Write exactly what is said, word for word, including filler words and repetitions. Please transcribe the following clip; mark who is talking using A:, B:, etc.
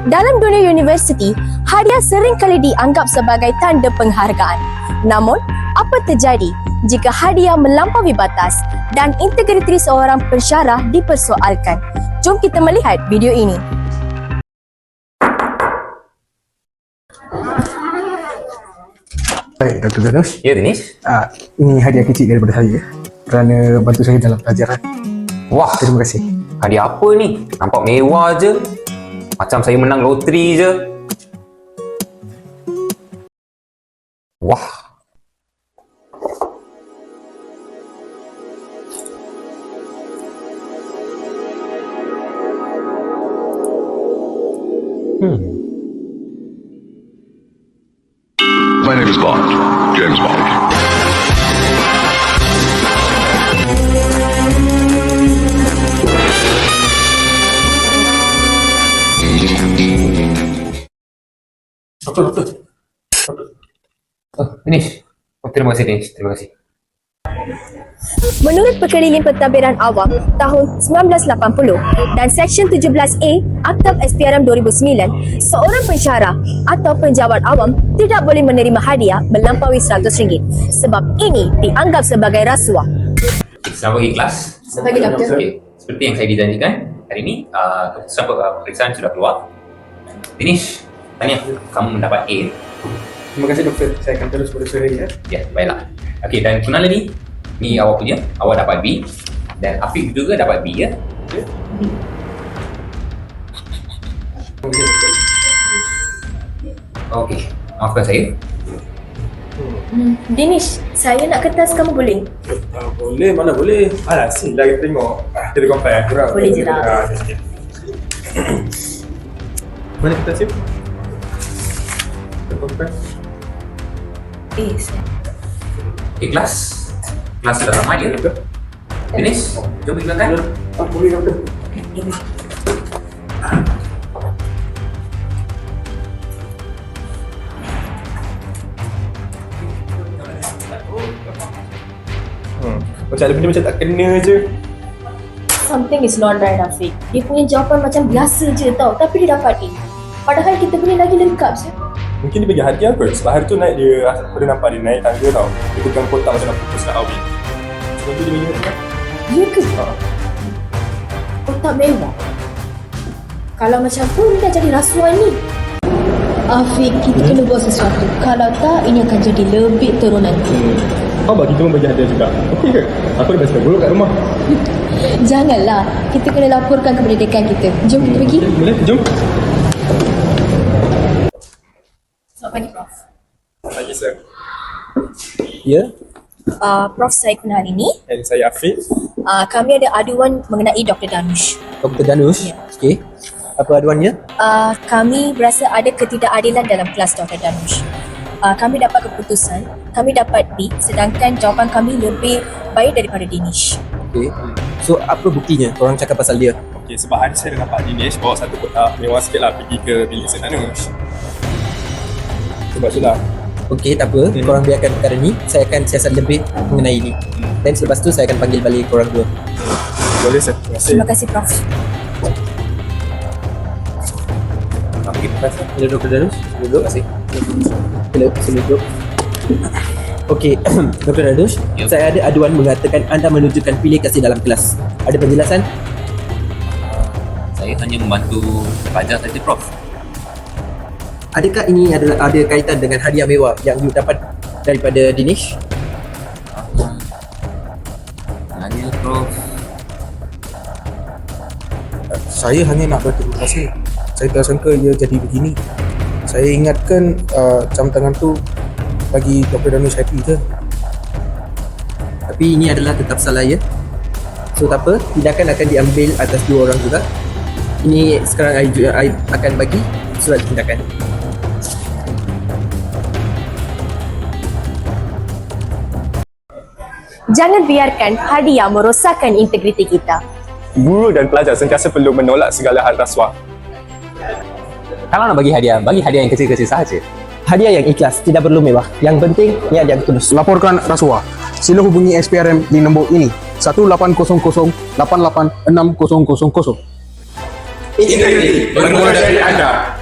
A: Dalam dunia universiti, hadiah sering kali dianggap sebagai tanda penghargaan. Namun, apa terjadi jika hadiah melampaui batas dan integriti seorang pensyarah dipersoalkan? Jom kita melihat video ini.
B: Baik, Doktor Danush.
C: Ya, Dinesh.
B: Ah, ini hadiah kecil daripada saya kerana bantu saya dalam pelajaran.
C: Wah,
B: Terima kasih.
C: hadiah apa ni? Nampak mewah je. Macam saya menang loteri je. Wah. Hmm.
D: My name is Bond, James Bond.
C: Doktor, doktor. Doktor. Oh, Dinesh. Oh, terima kasih, Dinesh. Terima kasih.
A: Menurut Perkeliling Pentadbiran Awam tahun sembilan belas lapan puluh dan Seksyen tujuh belas A Akta S P R M dua ribu sembilan, seorang pensyarah atau penjawat awam tidak boleh menerima hadiah melampaui seratus ringgit sebab ini dianggap sebagai rasuah.
C: Selamat pagi, kelas.
A: Selamat pagi, Doktor.
C: Okay. Seperti yang saya dijanjikan, hari ini uh, keputusan pemeriksaan sudah keluar. Dinesh, tanya, kamu mendapat A.
B: Terima kasih doktor. Saya akan terus berusaha ya.
C: Ya, baiklah. Okey, dan Kunal ni, ni awak punya, awak dapat B. Dan Afiq juga dapat B, ya?
B: Ya.
C: Okey, maafkan saya.
A: Hmm, Dinesh, saya nak kertas, kamu boleh?
E: Uh, boleh, mana boleh. Alah, sini lah kita tengok. Ah, kita compare. Kurang.
A: Boleh je lah.
E: Ah, sikit. Mana kita sip? Kita compare.
A: Eh, saya...
C: Okey, kelas. Kelas sudah ramai, ya? Dinesh, jom pergi makan.
E: Ah, boleh doktor. Hmm. Macam ada benda macam tak kena je.
A: Something is not right, Afiq. Dia punya jawapan macam biasa je tau, tapi dia dapat A. Padahal kita punya lagi lengkap je.
E: Mungkin dia bagi hadiah kot. Sebab hari tu naik dia, aku dah nampak dia naik tangga tau. Dia pegang kotak macam nak fokus nak awin. Sebab tu dia bagi hadiah.
A: Ya ke?
E: Ha.
A: Kotak mewah. Kalau macam tu, ni dah jadi rasuah ni. Afiq, kita kena buat sesuatu. Kalau tak, ini akan jadi lebih teruk nanti.
E: Kau bagi kita pun bagi hadiah juga. Okey ke? Aku dah biasa buruk kat rumah.
A: Janganlah. Kita kena laporkan kepada dekan kita. Jom kita pergi.
E: Boleh? Jom.
A: Selamat pagi, Prof.
E: Pagi, sir.
B: Ya.
A: Uh, Prof, saya kenal hari ni.
E: And saya Afiq.
A: Uh, kami ada aduan mengenai Doktor Danush.
B: Doktor Danush.
A: Ya.
B: Okey. Apa aduannya?
A: Uh, kami berasa ada ketidakadilan dalam kelas Doktor Danush. Uh, kami dapat keputusan, kami dapat B, sedangkan jawapan kami lebih baik daripada Dinesh.
B: Okey. So apa buktinya? Korang cakap pasal dia.
E: Okey, sebab hari saya dah nampak Dinesh bawa satu kotak mewah sikit lah pergi ke bilik Sir Danush. Sebab itulah.
B: Okey, tak apa.
E: Hmm.
B: Korang biarkan perkara ni. Saya akan siasat lebih mengenai ini. Dan selepas tu saya akan panggil balik korang dua.
E: Boleh, sir. Terima kasih.
A: Terima kasih, Prof.
C: Nak pergi kelas, ya?
B: Hello Doktor Danush. Duduk. Terima kasih. Hello, sini duduk. Okey, Doktor Danush,
C: Ya.
B: saya ada aduan mengatakan anda menunjukkan pilih kasih dalam kelas. Ada penjelasan?
C: Saya hanya membantu pelajar saja, Prof.
B: Adakah ini adalah ada kaitan dengan hadiah mewah yang you dapat daripada Dinesh?
C: Hanya, Prof.
F: Saya hanya nak berterima kasih. Saya tak sangka ia jadi begini. Saya ingatkan uh, jam tangan tu bagi Doktor Danush happy je.
B: Tapi ini adalah tetap salah ya. So tak apa, tindakan akan diambil atas dua orang juga. Ini sekarang I, I akan bagi surat tindakan.
A: Jangan biarkan hadiah merosakkan integriti kita.
E: Guru dan pelajar sentiasa perlu menolak segala hal rasuah.
C: Kalau nak bagi hadiah, bagi hadiah yang kecil-kecil sahaja.
B: Hadiah yang ikhlas, tidak perlu mewah. Yang penting niat yang tulus.
F: Laporkan rasuah. Sila hubungi S P R M di nombor ini satu lapan kosong kosong lapan lapan enam kosong kosong kosong.
E: Integriti bermula dari anda.